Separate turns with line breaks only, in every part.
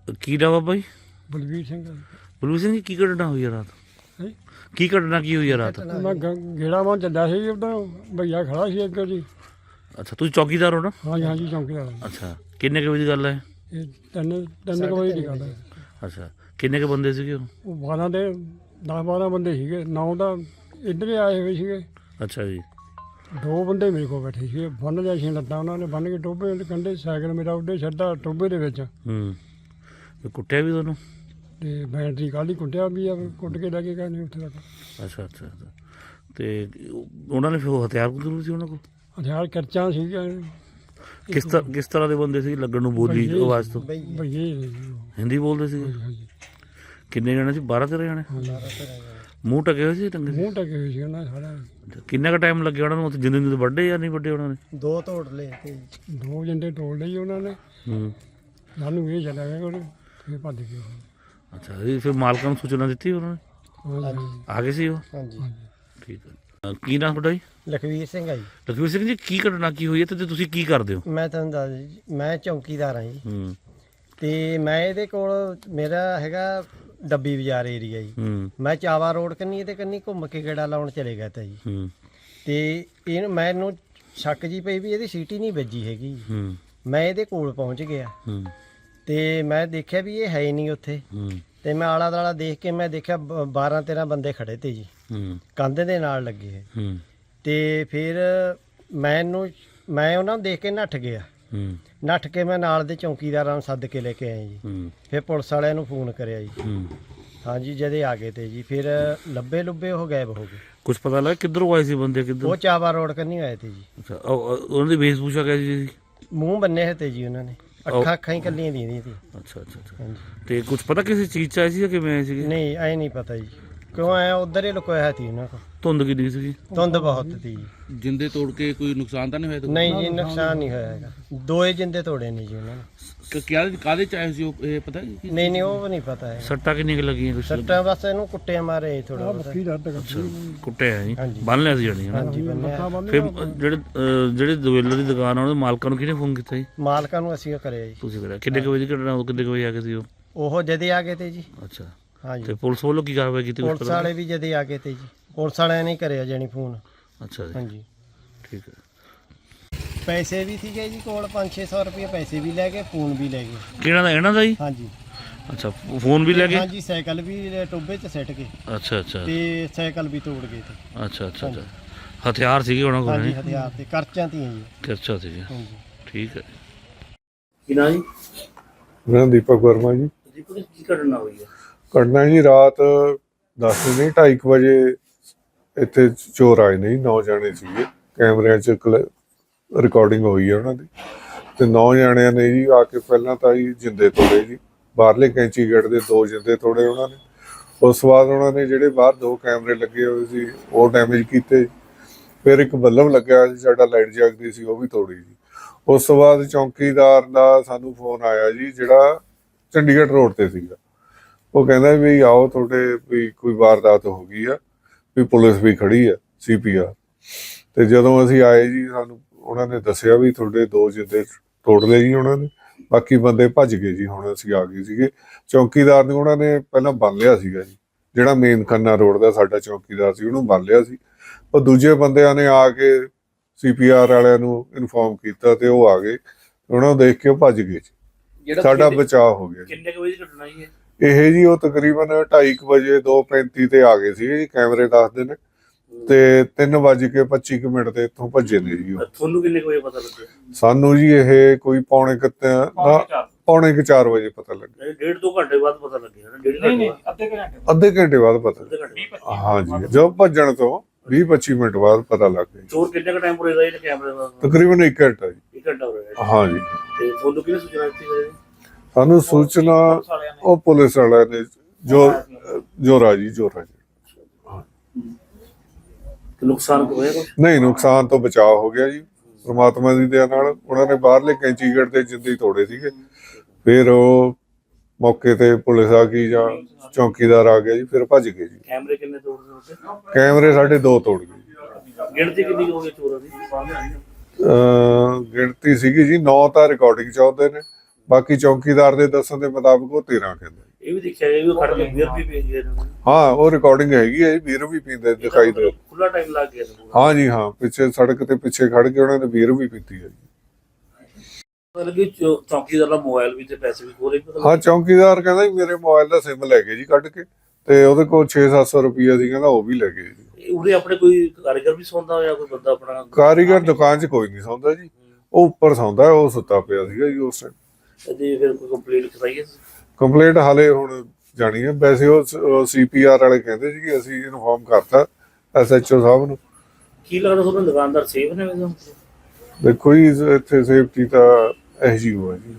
ਕੀ ਨਾਮ ਆ ਬਾਈ?
ਬਲਵੀਰ ਸਿੰਘ।
ਬਲਵੀਰ ਸਿੰਘ ਜੀ, ਕੀ ਘਟਨਾ ਹੋਈ ਆ ਰਾਤ?
ਹੈਂ?
ਕੀ ਘਟਨਾ ਕੀ ਹੋਈ ਆ ਰਾਤ?
ਮੈਂ ਗੇੜਾ ਮਾਂ ਚੱਲਿਆ ਸੀ, ਉਦੋਂ ਭਈਆ ਖੜਾ ਸੀ ਅੱਗੇ ਜੀ।
ਅੱਛਾ, ਤੁਸੀਂ ਚੌਕੀਦਾਰ ਹੋ ਨਾ?
ਹਾਂਜੀ ਹਾਂਜੀ, ਚੌਂਕੀਦਾਰ।
ਅੱਛਾ, ਕਿੰਨੇ ਕੁ ਵਜੇ ਦੀ ਗੱਲ ਹੈ?
ਇਹ ਤਿੰਨ ਕੁ ਵਜੇ ਦੀ ਗੱਲ ਹੈ।
ਅੱਛਾ, ਕਿੰਨੇ ਕੁ ਬੰਦੇ ਸੀਗੇ ਉਹ?
12 ਦੇ 10-12 ਬੰਦੇ ਸੀਗੇ। 9 ਤਾਂ ਇੱਧਰ ਹੀ ਆਏ ਹੋਏ ਸੀਗੇ।
ਅੱਛਾ ਜੀ।
2 ਬੰਦੇ ਮੇਰੇ ਕੋਲ ਬੈਠੇ ਸੀਗੇ। ਬੰਨ ਲਿਆ ਸੀ ਲੱਤਾਂ ਉਹਨਾਂ ਨੇ, ਬੰਨ ਕੇ ਟੋਭੇ ਦੇ ਕੰਢੇ ਸਾਈਕਲ ਮੇਰਾ ਉੱਡੇ ਛੱਡਾ ਟੋਭੇ ਦੇ ਵਿੱਚ।
ਤੇ ਕੁੱਟਿਆ ਵੀ ਤੁਹਾਨੂੰ?
ਤੇ ਬੈਟਰੀ ਕੱਲ੍ਹ ਹੀ ਕੁੱਟਿਆ ਵੀ ਆ, ਕੁੱਟ ਕੇ ਲੈ ਕੇ ਗਏ ਨੇ ਉੱਥੇ ਤੱਕ।
ਅੱਛਾ ਅੱਛਾ ਅੱਛਾ। ਤੇ ਉਹਨਾਂ ਨੇ ਫਿਰ ਉਹ ਹਥਿਆਰ ਜ਼ਰੂਰ ਸੀ ਉਹਨਾਂ ਕੋਲ?
ਹਥਿਆਰ ਕਰਚਾਂ ਸੀਗੀਆਂ।
ਕਿਸ ਤਰ੍ਹਾਂ ਦੇ ਬੰਦੇ ਸੀ ਲੱਗਣ ਨੂੰ? ਬੋਲੀ ਆਵਾਜ਼ ਤੋਂ
ਭਈਏ
ਹਿੰਦੀ ਬੋਲਦੇ ਸੀ?
ਹਾਂਜੀ।
ਕਿੰਨੇ ਜਣੇ ਸੀ? 12-13 ਜਣੇ? ਮੂੰਹ ਟਕੇ ਹੋਏ ਸੀ? ਟੰਗੇ?
ਮੂੰਹ ਟਕੇ ਹੋਏ ਸੀ ਉਹਨਾਂ ਦੇ ਸਾਰਾ।
ਕਿੰਨਾ ਕੁ ਟਾਈਮ ਲੱਗਿਆ ਉਹਨਾਂ ਨੂੰ ਉੱਥੇ? ਜਿੰਦੇ ਜਿੰਦੇ ਵੱਡੇ ਜਾਂ ਨਹੀਂ ਵੱਡੇ ਉਹਨਾਂ ਨੇ?
2 ਤੋੜ ਲਏ ਤੇ
2 ਜੰਡੇ ਤੋੜ ਲਈ ਉਹਨਾਂ ਨੇ। ਸਾਨੂੰ ਇਹ ਚੱਲਿਆ ਗਿਆ ਕੋਲ, ਫਿਰ ਭੱਜ ਗਏ ਉਹ।
ਅੱਛਾ, ਇਹ ਫਿਰ ਮਾਲਕਾਂ ਨੂੰ ਸੂਚਨਾ ਦਿੱਤੀ ਉਹਨਾਂ ਨੇ?
ਹਾਂਜੀ
ਆ ਗਏ ਸੀ ਉਹ?
ਹਾਂਜੀ।
ਠੀਕ ਹੈ। ਕੀ ਨਾਮ ਤੁਹਾਡਾ ਜੀ?
ਲਖਵੀਰ ਸਿੰਘ ਆ ਜੀ।
ਲਖਵੀਰ ਸਿੰਘ ਜੀ, ਕੀ ਘਟਨਾ ਕੀ ਹੋਈ ਹੈ ਤੇ ਤੁਸੀਂ ਕੀ ਕਰਦੇ ਹੋ?
ਮੈਂ ਤੁਹਾਨੂੰ ਦੱਸ ਜੀ, ਮੈਂ ਚੌਂਕੀਦਾਰ ਹਾਂ ਜੀ। ਤੇ ਮੈਂ ਇਹਦੇ ਕੋਲ, ਮੇਰਾ ਹੈਗਾ ਡੱਬੀ ਬਾਜ਼ਾਰ ਏਰੀਆ ਜੀ। ਮੈਂ ਚਾਵਾ ਰੋਡ ਕੰਨੀ ਤੇ ਕੰਨੀ ਘੁੰਮ ਕੇ ਗੇੜਾ ਲਾਉਣ ਚਲੇ ਗਿਆ ਤਾ ਜੀ। ਤੇ ਮੈਨੂੰ ਸ਼ੱਕ ਜੀ ਪਈ ਵੀ ਇਹਦੀ ਸੀਟੀ ਨਹੀਂ ਵੱਜੀ ਹੈਗੀ। ਮੈਂ ਇਹਦੇ ਕੋਲ ਪਹੁੰਚ ਗਿਆ ਤੇ ਮੈਂ ਦੇਖਿਆ ਵੀ ਇਹ ਹੈ ਹੀ ਨਹੀਂ ਉੱਥੇ। ਤੇ ਮੈਂ ਆਲਾ ਦਾਲਾ ਦੇਖ ਕੇ ਮੈਂ ਦੇਖਿਆ 12-13 ਬੰਦੇ ਖੜੇ ਤੇ ਜੀ, ਕੰਧ ਦੇ ਨਾਲ ਲੱਗੇ। ਤੇ ਫਿਰ ਮੈਂ ਉਹਨਾਂ ਨੂੰ ਦੇਖ ਕੇ ਨੱਠ ਗਿਆ। ਨੱਠ ਕੇ ਮੈਂ ਨਾਲ ਦੇ ਚੌਂਕੀਦਾਰਾਂ ਨੂੰ ਸੱਦ ਕੇ ਲੈ ਕੇ ਆਇਆ ਜੀ। ਫਿਰ ਪੁਲਿਸ ਵਾਲਿਆਂ ਨੂੰ ਫੋਨ ਕਰਿਆ ਜੀ। ਹਾਂਜੀ, ਜਦੇ ਆ ਗਏ ਤੇ ਜੀ। ਫਿਰ ਲੱਭੇ ਉਹ ਗਾਇਬ ਹੋ ਗਏ।
ਕੁਝ ਪਤਾ ਲੱਗਾ ਕਿੱਧਰੋਂ ਆਏ ਸੀ ਬੰਦੇ? ਕਿੱਧਰ?
ਉਹ ਚਾਵਾ ਰੋਡ ਕੰਨੀ ਆਏ ਤੇ ਜੀ।
ਅੱਛਾ, ਉਹਨਾਂ ਦੀ ਵੇਸ਼ਭੂਸ਼ਾ ਕਿਹੋ ਸੀ?
ਮੂੰਹ ਬੰਨੇ ਹੋਏ ਤੇ ਜੀ ਉਹਨਾਂ ਨੇ, ਅੱਖਾਂ ਹੀ ਕੱਲੀਆਂ ਦੀਆਂ ਸੀ।
ਅੱਛਾ ਅੱਛਾ ਅੱਛਾ।
ਹਾਂਜੀ।
ਤੇ ਕੁਝ ਪਤਾ ਕਿਸੇ ਚੀਜ਼ 'ਚ ਆਏ ਸੀ ਜਾਂ ਕਿਵੇਂ ਆਏ ਸੀਗੇ?
ਨਹੀਂ, ਐ ਨਹੀਂ ਪਤਾ ਜੀ ਕਿਉਂ ਆਇਆ। ਉਧਰ ਹੀ ਲੁਕੋਇਆ ਸੀ ਉਹਨਾਂ ਕੋਲ।
ਧੁੰਦ ਕਿੰਨੀ ਸੀਗੀ?
ਧੁੰਦ ਬਹੁਤ ਸੀ ਜੀ।
ਜਿੰਦੇ ਤੋੜ ਕੇ ਕੋਈ ਨੁਕਸਾਨ ਤਾਂ ਨਹੀਂ ਹੋਇਆ?
ਨਹੀਂ ਜੀ, ਨੁਕਸਾਨ ਨਹੀਂ ਹੋਇਆ ਹੈਗਾ। 2 ਜਿੰਦੇ ਤੋੜੇ ਨੇ ਜੀ ਉਹਨਾਂ ਨੇ।
ਕਾਹਦੇ ਚ ਆਏ ਸੀ ਉਹ, ਇਹ ਪਤਾ?
ਨਹੀਂ, ਉਹ ਵੀ ਨਹੀਂ ਪਤਾ ਹੈ।
ਸੱਟਾਂ ਕਿੰਨੀਆਂ ਕੁ ਲੱਗੀਆਂ? ਕੁਛ
ਸੱਟਾਂ ਬਸ ਇਹਨੂੰ ਕੁੱਟਿਆ ਮਾਰੇ ਥੋੜਾ ਬਹੁਤ।
ਬੱਕੀ ਦਰਦ ਕਰਦੀ।
ਕੁੱਟਿਆ ਜੀ?
ਹਾਂਜੀ।
ਬੰਨ ਲਿਆ ਸੀ ਜਾਣੀ?
ਹਾਂਜੀ, ਬੰਨਿਆ।
ਫਿਰ ਜਿਹੜੇ ਦੁਵੇਲਰ ਦੀ ਦੁਕਾਨ ਆ ਉਹਦੇ ਮਾਲਕਾਂ ਨੂੰ ਕਿਹਨੇ ਫੋਨ ਕੀਤਾ ਜੀ?
ਮਾਲਕਾਂ ਨੂੰ ਅਸੀਂ ਉਹ ਕਰਿਆ ਜੀ।
ਤੁਸੀਂ ਕਰਿਆ? ਕਿੰਨੇ ਕੁ ਵਜੇ ਦੀ ਘਟਨਾ? ਕਿੰਨੇ ਕੁ ਵਜੇ ਆ ਗਏ ਸੀ ਉਹ?
ਉਹ ਜਦੇ ਆ ਗਏ ਤੇ ਜੀ।
ਅੱਛਾ।
ਹਾਂਜੀ।
ਤੇ ਪੁਲਿਸ ਵੱਲੋਂ ਕੀ ਕਾਰਵਾਈ ਕੀਤੀ?
ਪੁਲਿਸ ਵਾਲੇ ਵੀ ਜਦੇ ਆ ਗਏ ਤੇ ਜੀ। ਪੁਲਿਸ ਵਾਲਿਆਂ ਨੇ ਕਰਿਆ ਜਾਣੀ ਫੋਨ।
ਅੱਛਾ ਜੀ।
ਹਾਂਜੀ।
ਠੀਕ ਹੈ।
ਪੈਸੇ ਵੀ ਸੀਗੇ ਜੀ ਕੋਲ, 500-600 ਰੁਪਏ ਪੈਸੇ ਵੀ ਲੈ ਗਏ, ਫੋਨ ਵੀ ਲੈ ਗਏ।
ਕਿਹਨਾਂ ਦਾ? ਇਹਨਾਂ ਦਾ ਜੀ?
ਹਾਂਜੀ।
ਅੱਛਾ, ਫੋਨ ਵੀ ਲੈ ਗਏ?
ਹਾਂਜੀ, ਸਾਈਕਲ ਵੀ ਟੋਭੇ 'ਚ ਸਿੱਟ ਕੇ
ਅੱਛਾ ਅੱਛਾ
ਤੇ ਸਾਈਕਲ ਵੀ ਤੋੜ ਗਏ ਤੇ।
ਅੱਛਾ ਅੱਛਾ ਅੱਛਾ। ਹਥਿਆਰ ਸੀਗੇ ਉਹਨਾਂ ਕੋਲ?
ਹਾਂਜੀ, ਹਥਿਆਰ ਤੇ ਕਰਚਾਂ ਤੀਆਂ ਜੀ।
ਕਿਰਚਾ ਸੀਗੇ?
ਹਾਂਜੀ।
ਠੀਕ ਹੈ। ਕੀ ਨਾਂ ਜੀ?
ਮੈਂ ਦੀਪਕ ਵਰਮਾ ਜੀ।
ਦੀਪਕ ਜੀ, ਕੀ ਘਟਨਾ ਹੋਈ ਹੈ?
ਘਟਨਾ ਜੀ ਰਾਤ 10 ਨਹੀਂ 2:30 ਵਜੇ ਇੱਥੇ ਚੋਰ ਆਏ ਨੇ ਜੀ। 9 ਜਾਣੇ ਸੀਗੇ। ਕੈਮਰਿਆਂ 'ਚ ਰਿਕਾਰਡਿੰਗ ਹੋਈ ਹੈ ਉਹਨਾਂ ਦੀ। ਤੇ 9 ਜਾਣਿਆਂ ਨੇ ਜੀ ਆ ਕੇ ਪਹਿਲਾਂ ਤਾਂ ਜੀ ਜਿੰਦੇ ਤੋੜੇ ਜੀ। ਬਾਹਰਲੇ ਕੈਂਚੀ ਗੇਟ ਦੇ 2 ਜਿੰਦੇ ਤੋੜੇ ਉਹਨਾਂ ਨੇ। ਉਸ ਤੋਂ ਬਾਅਦ ਉਹਨਾਂ ਨੇ ਜਿਹੜੇ ਬਾਹਰ 2 ਕੈਮਰੇ ਲੱਗੇ ਹੋਏ ਸੀ ਉਹ ਡੈਮੇਜ ਕੀਤੇ। ਫਿਰ ਇੱਕ ਬੱਲਬ ਲੱਗਿਆ ਸੀ ਸਾਡਾ, ਲਾਈਟ ਜਗਦੀ ਸੀ, ਉਹ ਵੀ ਤੋੜੀ ਜੀ। ਉਸ ਤੋਂ ਬਾਅਦ ਚੌਂਕੀਦਾਰ ਦਾ ਸਾਨੂੰ ਫੋਨ ਆਇਆ ਜੀ, ਜਿਹੜਾ ਚੰਡੀਗੜ੍ਹ ਰੋਡ ਤੇ ਸੀਗਾ। ਉਹ ਕਹਿੰਦਾ ਵੀ ਆਓ, ਤੁਹਾਡੇ ਵੀ ਕੋਈ ਵਾਰਦਾਤ ਹੋ ਗਈ ਆ, ਵੀ ਪੁਲਿਸ ਵੀ ਖੜੀ ਆ, CPR। ਤੇ ਜਦੋਂ ਅਸੀਂ ਆਏ ਜੀ, ਸਾਨੂੰ ਉਹਨਾਂ ਨੇ ਦੱਸਿਆ ਵੀ ਤੁਹਾਡੇ 2 ਜਿੰਦੇ ਤੋੜ ਲਏ ਜੀ ਉਹਨਾਂ ਨੇ, ਬਾਕੀ ਬੰਦੇ ਭੱਜ ਗਏ ਜੀ। ਹੁਣ ਅਸੀਂ ਆ ਗਏ ਸੀਗੇ। ਚੌਂਕੀਦਾਰ ਨੂੰ ਉਹਨਾਂ ਨੇ ਪਹਿਲਾਂ ਬੰਨ ਲਿਆ ਸੀਗਾ ਜੀ, ਜਿਹੜਾ ਮੇਨ ਖੰਨਾ ਰੋਡ ਦਾ ਸਾਡਾ ਚੌਂਕੀਦਾਰ ਸੀ, ਉਹਨੂੰ ਬੰਨ ਲਿਆ ਸੀ। ਉਹ ਦੂਜੇ ਬੰਦਿਆਂ ਨੇ ਆ ਕੇ CPR ਵਾਲਿਆਂ ਨੂੰ ਇਨਫੋਰਮ ਕੀਤਾ ਤੇ ਉਹ ਆ ਗਏ। ਉਹਨਾਂ ਨੂੰ ਦੇਖ ਕੇ ਉਹ ਭੱਜ ਗਏ ਜੀ। ਸਾਡਾ ਬਚਾਅ ਹੋ ਗਿਆ।
ਕਿੰਨੇ ਕੁ ਵਜੇ ਦੀ ਘਟਨਾ ਜੀ
ਇਹ ਜੀ ਉਹ ਤਕਰੀਬਨ 2:30 ਵਜੇ 2:35 ਤੇ ਆ ਗਏ ਸੀ ਜੀ, ਕੈਮਰੇ ਦੱਸਦੇ ਨੇ। ਤੇ 3:25 ਤੇ ਇੱਥੋਂ ਭੱਜੇ ਨੇ ਜੀ ਉਹ।
ਤੁਹਾਨੂੰ ਕਿੰਨੇ ਕੁ ਵਜੇ ਪਤਾ ਲੱਗਿਆ?
ਸਾਨੂੰ ਜੀ ਇਹ ਕੋਈ ਪੌਣੇ 4 ਵਜੇ ਪਤਾ ਲੱਗਿਆ।
1.5-2 ਘੰਟੇ ਬਾਅਦ ਪਤਾ ਲੱਗਿਆ? ਨਹੀਂ,
ਅੱਧੇ ਘੰਟੇ ਬਾਅਦ ਪਤਾ। ਹਾਂਜੀ, ਜੋ ਭੱਜਣ ਤੋਂ 20-25 ਮਿੰਟ ਬਾਅਦ ਪਤਾ ਲੱਗ ਗਿਆ।
ਚੋਰ ਕਿੰਨੇ ਕੁ ਟਾਈਮ ਪੁਰੇ ਦਾ ਇਹ ਕੈਮਰੇ ਦਾ?
ਤਕਰੀਬਨ 1 ਘੰਟਾ ਜੀ।
1 ਘੰਟਾ ਹੋ ਰਿਹਾ?
ਹਾਂਜੀ।
ਤੇ ਤੁਹਾਨੂੰ ਕਿਹਨੇ ਸੂਚਨਾ ਦਿੱਤੀ ਹੈ?
ਸਾਨੂੰ ਸੂਚਨਾ ਉਹ ਪੁਲਿਸ ਵਾਲਿਆਂ ਨੇ, ਜੋਰਾ ਜੀ।
ਨੁਕਸਾਨ ਹੋਇਆ ਕੁਛ?
ਨਹੀਂ, ਨੁਕਸਾਨ ਤੋਂ ਬਚਾਅ ਹੋ ਗਿਆ ਜੀ ਪ੍ਰਮਾਤਮਾ ਦੀ ਦਇਆ ਨਾਲ। ਉਹਨਾਂ ਨੇ ਬਾਹਰਲੇ ਕੈਂਚੀ ਗੇਟ ਤੇ ਜਿੰਦੇ ਤੋੜੇ ਸੀਗੇ। ਫਿਰ ਉਹ ਮੌਕੇ ਤੇ ਪੁਲਿਸ ਆ ਗਈ ਜਾਂ ਚੌਂਕੀਦਾਰ ਆ ਗਿਆ ਜੀ, ਫਿਰ ਭੱਜ ਗਏ ਜੀ।
ਕੈਮਰੇ ਕਿੰਨੇ ਤੋੜਦੇ ਉੱਤੇ?
ਕੈਮਰੇ ਸਾਡੇ 2 ਤੋੜ ਗਏ।
ਗਿਣਤੀ ਕਿੰਨੀ ਹੋ ਗਈ ਚੋਰਾਂ ਦੀ?
ਗਿਣਤੀ ਸੀਗੀ ਜੀ 9 ਤਾਂ ਰਿਕਾਰਡਿੰਗ 'ਚ ਆਉਂਦੇ ਨੇ, ਬਾਕੀ ਚੌਕੀਦਾਰ ਦੇ ਦੱਸਣ ਦੇ ਮੁਤਾਬਕ ਉਹ 13 ਕਹਿੰਦਾ।
ਇਹ ਵੀ ਦੇਖਿਆ ਗਿਆ ਵੀ ਉਹ ਖੜ ਕੇ ਬੀਅਰ ਵੀ ਪੀ ਗਏ ਨੇ।
ਹਾਂ ਉਹ ਰਿਕਾਰਡਿੰਗ ਹੈਗੀ ਹੈ ਜੀ, ਬੀਅਰ ਵੀ ਪੀਂਦੇ ਦਿਖਾਈ ਦੇ।
ਖੁੱਲਾ ਟਾਈਮ ਲੱਗ ਗਿਆ ਸੀ।
ਹਾਂ ਜੀ ਹਾਂ, ਪਿੱਛੇ ਸੜਕ ਤੇ ਪਿੱਛੇ ਖੜ ਕੇ ਉਹਨਾਂ ਨੇ ਬੀਅਰ ਵੀ ਪੀਤੀ ਹੈ ਜੀ।
ਮਤਲਬ ਕਿ ਚੌਕੀਦਾਰ ਦਾ ਮੋਬਾਈਲ ਵੀ ਤੇ ਪੈਸੇ ਵੀ ਖੋਲੇ।
ਹਾਂ ਚੌਕੀਦਾਰ ਕਹਿੰਦਾ ਜੀ ਮੇਰੇ ਮੋਬਾਈਲ ਦਾ ਸਿਮ ਲੈ ਗਏ ਜੀ ਕੱਢ ਕੇ, ਤੇ ਉਹਦੇ ਕੋਲ 600-700 ਰੁਪਈਆ ਸੀ, ਕਹਿੰਦਾ ਉਹ ਵੀ ਲੈ ਗਏ ਜੀ।
ਉਰੇ ਆਪਣੇ ਕੋਈ ਕਾਰੀਗਰ ਵੀ ਸੌਂਦਾ ਹੋਇਆ, ਕੋਈ ਬੰਦਾ ਆਪਣਾ?
ਕਾਰੀਗਰ ਦੁਕਾਨ 'ਚ ਕੋਈ ਨਹੀਂ ਸੌਂਦਾ ਜੀ, ਉਹ ਉੱਪਰ ਸੌਂਦਾ, ਉਹ ਸੁੱਤਾ ਪਿਆ ਸੀਗਾ ਜੀ ਉਸ ਟਾਈਮ।
ਤੇ ਫਿਰ ਕੋਈ ਕੰਪਲੇਂਟ ਕਰਾਈ ਹੈ?
ਕੰਪਲੇਂਟ ਹਾਲੇ ਹੁਣ ਜਾਣੀ ਹੈ, ਵੈਸੇ ਉਹ CPR ਵਾਲੇ ਕਹਿੰਦੇ ਸੀ ਕਿ ਅਸੀਂ ਇਨਫੋਰਮ ਕਰਤਾ SHO ਸਾਹਿਬ ਨੂੰ।
ਕੀ ਲੱਗਦਾ ਤੁਹਾਨੂੰ ਦੁਕਾਨਦਾਰ ਸੇਫ ਨੇ ਵੈਸੇ?
ਦੇਖੋ ਜੀ ਇੱਥੇ ਸੇਫਟੀ ਤਾਂ SGO ਹੈ ਜੀ।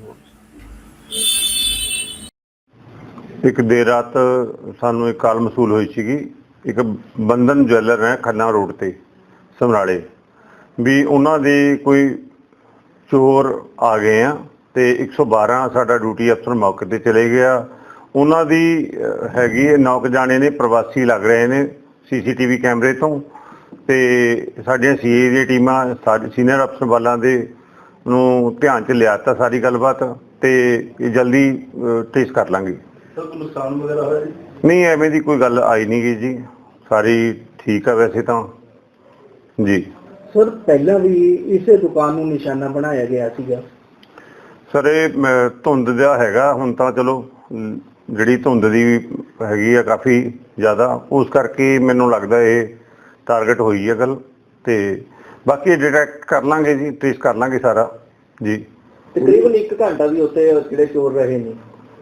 ਇੱਕ ਦੇਰ ਰਾਤ ਸਾਨੂੰ ਇੱਕ ਕਾਲ ਮਸੂਲ ਹੋਈ ਸੀਗੀ, ਇੱਕ ਬੰਧਨ ਜਵੈਲਰ ਹੈ ਖੰਨਾ ਰੋਡ ਤੇ ਸਮਰਾਲੇ, ਵੀ ਉਹਨਾਂ ਦੇ ਕੋਈ ਚੋਰ ਆ ਗਏ ਆ ਤੇ 112 ਸਾਡਾ ਡਿਊਟੀ ਅਫਸਰ ਮੌਕੇ ਤੇ ਚਲੇ ਗਿਆ। ਉਹਨਾਂ ਦੀ ਹੈਗੀ 9 ਜਾਣੇ ਨੇ, ਪ੍ਰਵਾਸੀ ਲੱਗ ਰਹੇ ਨੇ CCTV ਕੈਮਰੇ ਤੋਂ, ਤੇ ਸਾਡੀਆਂ CA ਦੀਆਂ ਟੀਮਾਂ ਸਾਡੇ ਸੀਨੀਅਰ ਅਫਸਰ ਵਾਲਾਂ ਦੇ ਨੂੰ ਧਿਆਨ 'ਚ ਲਿਆ ਤਾ ਸਾਰੀ ਗੱਲਬਾਤ, ਤੇ ਇਹ ਜਲਦੀ ਟ੍ਰੇਸ ਕਰ ਲਾਂਗੇ।
ਸਰ ਕੋਈ ਨੁਕਸਾਨ ਵਗੈਰਾ ਹੋਇਆ ਜੀ?
ਨਹੀਂ ਐਵੇਂ ਦੀ ਕੋਈ ਗੱਲ ਆਈ ਨਹੀਂ ਗਈ ਜੀ, ਸਾਰੀ ਠੀਕ ਆ ਵੈਸੇ ਤਾਂ ਜੀ।
ਸਰ ਪਹਿਲਾਂ ਵੀ ਇਸੇ ਦੁਕਾਨ ਨੂੰ ਨਿਸ਼ਾਨਾ ਬਣਾਇਆ ਗਿਆ ਸੀਗਾ।
ਸਰ ਇਹ ਧੁੰਦ ਦਾ ਹੈਗਾ, ਹੁਣ ਤਾਂ ਚਲੋ ਜਿਹੜੀ ਧੁੰਦ ਦੀ ਹੈਗੀ ਆ ਕਾਫੀ ਜ਼ਿਆਦਾ, ਉਸ ਕਰਕੇ ਮੈਨੂੰ ਲੱਗਦਾ ਇਹ ਟਾਰਗੇਟ ਹੋਈ ਹੈ ਗੱਲ, ਤੇ ਬਾਕੀ ਡਿਟੈਕਟ ਕਰ ਲਾਂਗੇ ਜੀ, ਟ੍ਰੇਸ ਕਰ ਲਾਂਗੇ ਸਾਰਾ ਜੀ।
ਤਕਰੀਬਨ 1 ਘੰਟਾ ਵੀ ਉੱਥੇ ਜਿਹੜੇ ਚੋਰ ਰਹੇ ਨੇ?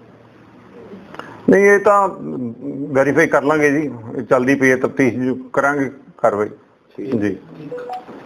ਨਹੀਂ ਇਹ ਤਾਂ ਵੈਰੀਫਾਈ ਕਰ ਲਾਂਗੇ ਜੀ, ਚੱਲਦੀ ਪਈ ਹੈ ਤਫਤੀਸ਼, ਕਰਾਂਗੇ ਕਾਰਵਾਈ ਜੀ।